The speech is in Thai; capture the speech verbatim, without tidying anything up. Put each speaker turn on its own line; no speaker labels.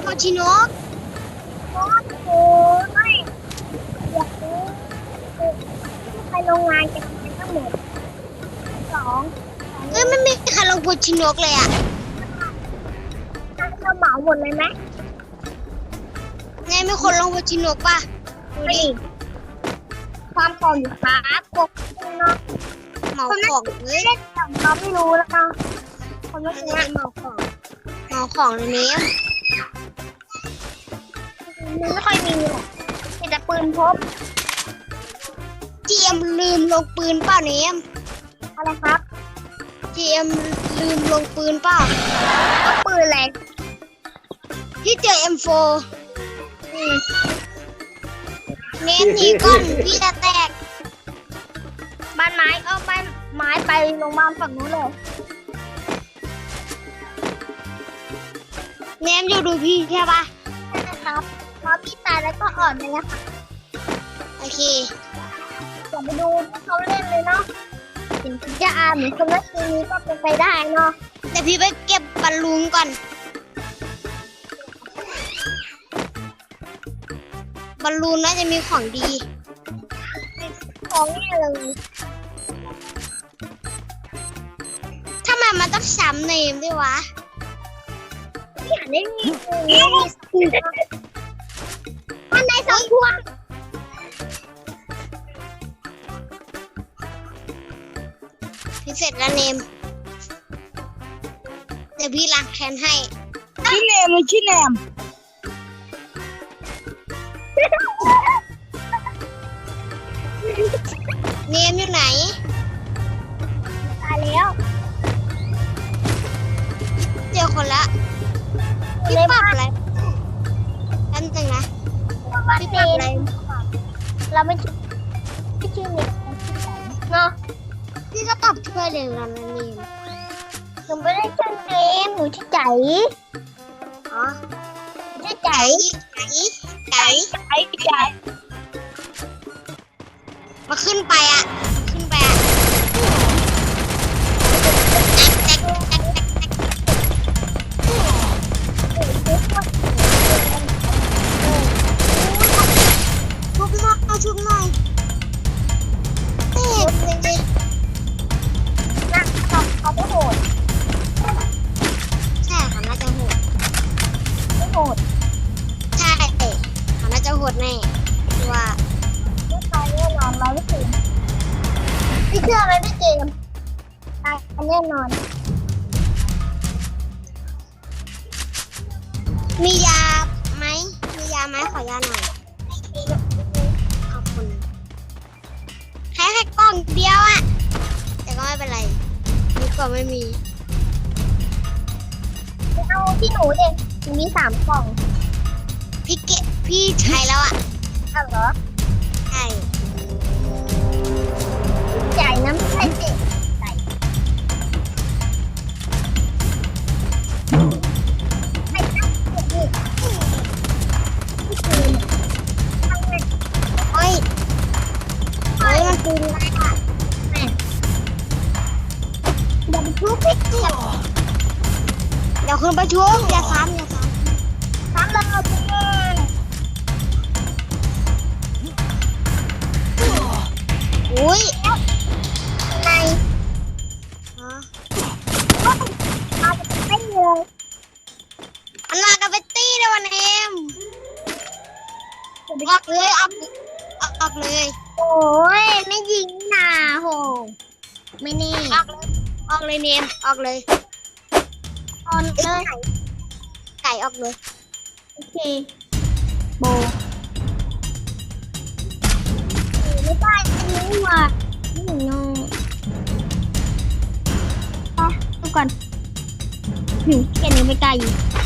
โคชิโนก
โอ้โหไม่อยากรู้ไปโรงงานกันทั้งหมดสอง
เอ้ยไม่มีใครลงโคชิโนกเลยอ่ะ
เราเหมาหมดเลยไหม
ไงมีคนลงโคชิโนกป่ะดู
ไม่
ดิ
ความปลอมอยู่ครับกบเนาะ
เหมาของเฮ้ย
เล่นอย่างเราไม่รู้แล้วกันคนเมื่อ
ไม่
กี้
ได้เหมาของเหมาของในนี้
มันไม่ค่อยมีหรอกมีแต่ปืนพก
เจียมลืมลงปืนเปล่าเนม
อะไรครับ
เจียมลืมลงปืนเปล่า
ก็ปืนอะไร
พี่เจอ เอ็ม โฟร์
อืม
เนมหนีก่อนพี่จะแตก
บ้านไม้เออบ้านไม้ไปโรงพยาบาลฝั่งนู้นเลย
เนมอยู่ดูพี่ใช่ป่ะ
ใช่นะครับพอพี่ตายแล้วก็อ่อนเลยนะคะ
โอเค
อย่าไปดูที่เขาเล่นเลยเนาะถึงจะอ่านเหมือนคนเมื่อกี้นี้ก็เป็นไปได้เนาะ
แต่พี่ไปเก็บบอลลูนก่อนบอลลูนน่าจะมีของดี
ของนี่เลย
ทำไมมันต้องซ้ำเนมด้วยวะ
พี่อ่านได้มีมันในสองพวง
พี่เสร็จแล้วเนม เดี๋ยวพี่ล้างแค้นให้
ชื่อเนมเลยชื่อแนม
เนมอยู่ไหน
ตายแล้ว
เจอคนละพี่ปรับอะไรอันหนึ่งนะ
พี่ปรับอะไรเราไม่ชื่อไม่ชื่อเนมเนาะ
พี่ก็ตอบช่วยเลยนะเนม
หนูไม่ได้ชื่อเนมหนูชื่อใจ
อ๋อ
ชื่อใจ
ไก่ไก่ไก่
ใจใจ
มาขึ้นไปอ่ะ ขึ้นไปอ่ะแตกแตกแตกแตกชุบหน่อยชุบหน่อยเตะเลย
นะเขาเขาไม่โหด
ใช่ค่ะน่าจะโหด
ไม่โหด
ใช่เขาน่าจะโหดแน่คือว่า
ไม่ตายแน่นอนร้อยเปอร์เซ็นต์พี่เชื่อไหมพี่เจมส์ตายแน่นอน
มียาไหม มียาไหมขอยาหน่อย ขอบคุณแค่แค่กล่องเดียวอะแต่ก็ไม่เป็นไรดีกว่าไม่มี
เอาที่หนูเด็กหนูมีสามกล่อง
พี่เกะพี่ใช้แล้วอะ
เอาเหรอ
ใช่
ใหญ่น้ำใส่เด็กใส่ใส่น้ำเด็กพี่เจมส์ทำไง
โอ้ยโอ้ยมันปืนอะไรอะ
อย่าไปทุบพี่เจมส์
เดี๋ยวคุณประชุมอย่าซ้ำอย่าซ้
ทำแล้วพี่เจมส์
ำอุ้ย
ใน
อ๋อ
เอาไปไม่เลย
อันลากับเบตตี้เลยวันเอมออกเลยออกออกออกเลย
โอ้ยไม่ยิงน่ะโหไม่นี่
ออกเลยออกเลยเนมออกเลย
ตอนเลย
ไก่ออกเลย
โอเคโบไม่ได้อันนี้ว่ะนี่โน่ไปดูก่อนหึแค่นี้ไม่กล้ายิง